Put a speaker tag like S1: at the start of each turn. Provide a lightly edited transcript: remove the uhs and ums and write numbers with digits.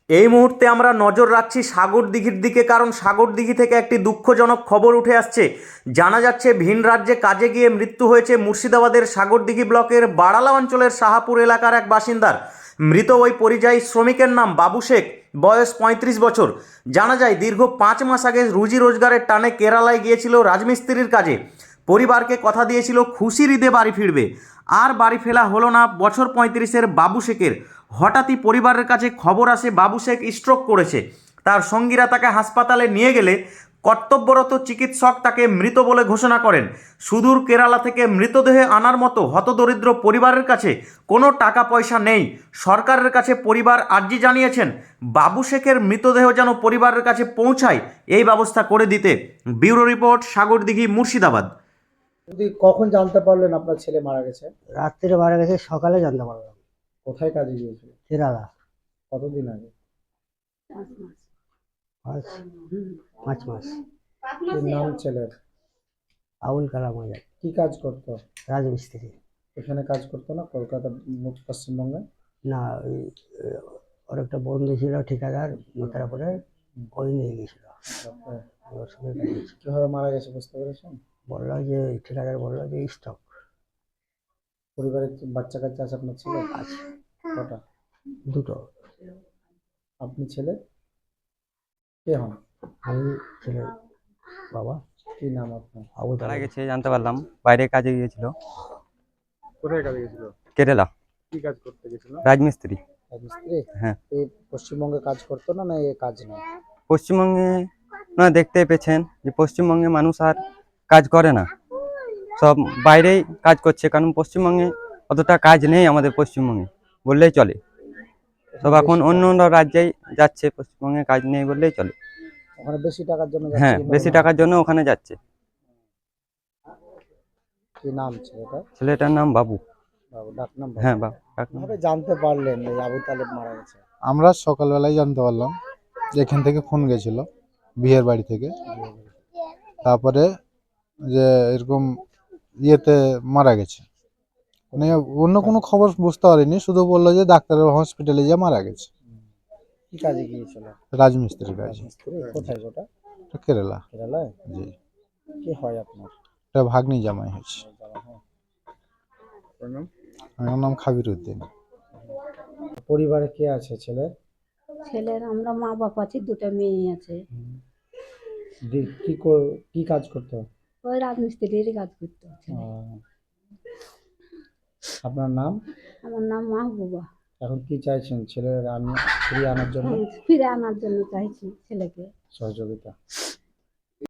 S1: এই মুহূর্তে আমরা নজর রাখছি সাগরদিঘির দিকে, কারণ সাগরদিঘি থেকে একটি দুঃখজনক খবর উঠে আসছে। জানা যাচ্ছে ভিন রাজ্যে কাজে গিয়ে মৃত্যু হয়েছে মুর্শিদাবাদের সাগরদিঘি ব্লকের বাড়ালা অঞ্চলের শাহাপুর এলাকার এক বাসিন্দার। মৃত ওই পরিযায়ী শ্রমিকের নাম বাবু শেখ, বয়স ৩৫ বছর। জানা যায় দীর্ঘ ৫ মাস আগে রুজি রোজগারের টানে কেরালায় গিয়েছিল রাজমিস্ত্রির কাজে। পরিবারকে কথা দিয়েছিল খুশির ঈদে বাড়ি ফিরবে, আর বাড়ি ফেরা হলো না বছর ৩৫-এর বাবু শেখের। হঠাৎই পরিবারের কাছে খবর আসে বাবু শেখ স্ট্রোক করেছে। তার সঙ্গীরা তাকে হাসপাতালে নিয়ে গেলে কর্তব্যরত চিকিৎসক তাকে মৃত বলে ঘোষণা করেন। সুদূর কেরালা থেকে মৃতদেহ আনার মতো হতদরিদ্র পরিবারের কাছে কোনো টাকা পয়সা নেই। সরকারের কাছে পরিবার আর্জি জানিয়েছেন বাবু শেখের মৃতদেহ যেন পরিবারের কাছে পৌঁছায় এই ব্যবস্থা করে দিতে। Bureau report, Sagardighi, Murshidabad.
S2: যদি কখন জানতে পারলেন আপনার ছেলে মারা গেছে?
S3: রাত্রে মারা গেছে, সকালে জানতে পারলাম।
S2: কোথায় কাজে গিয়েছিল?
S3: কেরালা।
S2: কতদিন আগে?
S3: 5 মাস।
S2: কি নাম ছেলের?
S3: আবুল কালাম আজাদ।
S2: কি কাজ করতো?
S3: রাজমিস্ত্রি।
S2: এখানে কাজ করতো না কলকাতা পশ্চিমবঙ্গে?
S3: না, ওর একটা বন্ধু ছিল ঠিকাদার মোতারাপুরে, ওই নিয়ে গেছিল। ওর সঙ্গে কাজ হয়েছিল।
S2: কিভাবে মারা গেছে বুঝতে পেরেছেন?
S3: বললো যে ঠিকাদার বললো যে স্টক
S2: পরিবারে কি বাচ্চা কাচ্চা আছে আপনার ছেলে?
S3: আছে,
S2: কটা?
S3: 2টো।
S2: আপনি ছেলে কে হন?
S3: আমি ছেলের বাবা।
S2: কি নাম আপনার?
S3: আবু
S4: মারা
S3: তালেব।
S4: গেছে জানতে পারলাম, বাইরে কাজে গিয়েছিল
S2: কোথায় কাজে গেছিল?
S4: কেরালা,
S2: কি কাজ করতে গেছিল?
S4: রাজমিস্ত্রি।
S2: রাজমিস্ত্রি?
S4: হ্যাঁ।
S2: এই পশ্চিমবঙ্গে কাজ করতো না, না এই কাজ নেই?
S4: পশ্চিমবঙ্গে আপনারা দেখতে পেয়েছেন যে পশ্চিমবঙ্গে মানুষ আর কাজ করে না, সব বাইরেই কাজ করছে, কারণ পশ্চিমবঙ্গে অতটা কাজ নেই আমাদের পশ্চিমবঙ্গে বললেই চলে। সব এখন অন্য অন্য রাজ্যেই যাচ্ছে, পশ্চিমবঙ্গে কাজ নেই বললেই চলে।
S2: ওখানে বেশি টাকার জন্য যাচ্ছে
S4: হ্যাঁ,
S2: কিংবা
S4: বেশি
S2: অন্য-
S4: টাকার জন্য ওখানে যাচ্ছে।
S2: কি নাম ছেলেটা?
S4: ছেলেটার নাম বাবু।
S2: বাবু, ডাক নাম বাবু।
S4: হ্যাঁ, বাবু ডাক নাম।
S2: কিভাবে জানতে পারলেন এই আবু তালেব মারা গেছে?
S5: আমরা সকালবেলায় জানতে পারলাম যে এখান থেকে ফোন গেছিল বিয়ের বাড়ি থেকে। তারপরে যে এরকম ইয়েতে মারা গেছে, মানে অন্য কোনো খবর বুঝতে পারিনি, শুধু বললো যে ডাক্তারের হসপিটালে গিয়ে মারা গেছে।
S2: কি কাজে গিয়েছিল?
S5: রাজমিস্ত্রির কাজ।
S2: রাজমিস্ত্রি? কোথায় ওটা?
S5: কেরালা।
S2: কেরালায়?
S5: জি,
S2: কি হয় আপনার?
S5: এটা ভাগ্নি জামাই হয়েছে।
S2: আপনার নাম?
S5: আমার নাম খাবির উদ্দিন।
S2: পরিবারে কে আছে ছেলে?
S6: ছেলের আমরা মা বাপ আছি, 2টা মেয়ে আছে।
S2: কি কাজ করতো?
S6: ওই রাজমিস্ত্রিরই কাজ করতো ছেলে।
S2: আপনার নাম?
S6: আমার নাম মাহবুবা।
S2: এখন কি চাইছেন ছেলের ফিরিয়ে আনার জন্য?
S6: ফিরে আনার জন্য চাইছি ছেলেকে
S2: সহযোগিতা।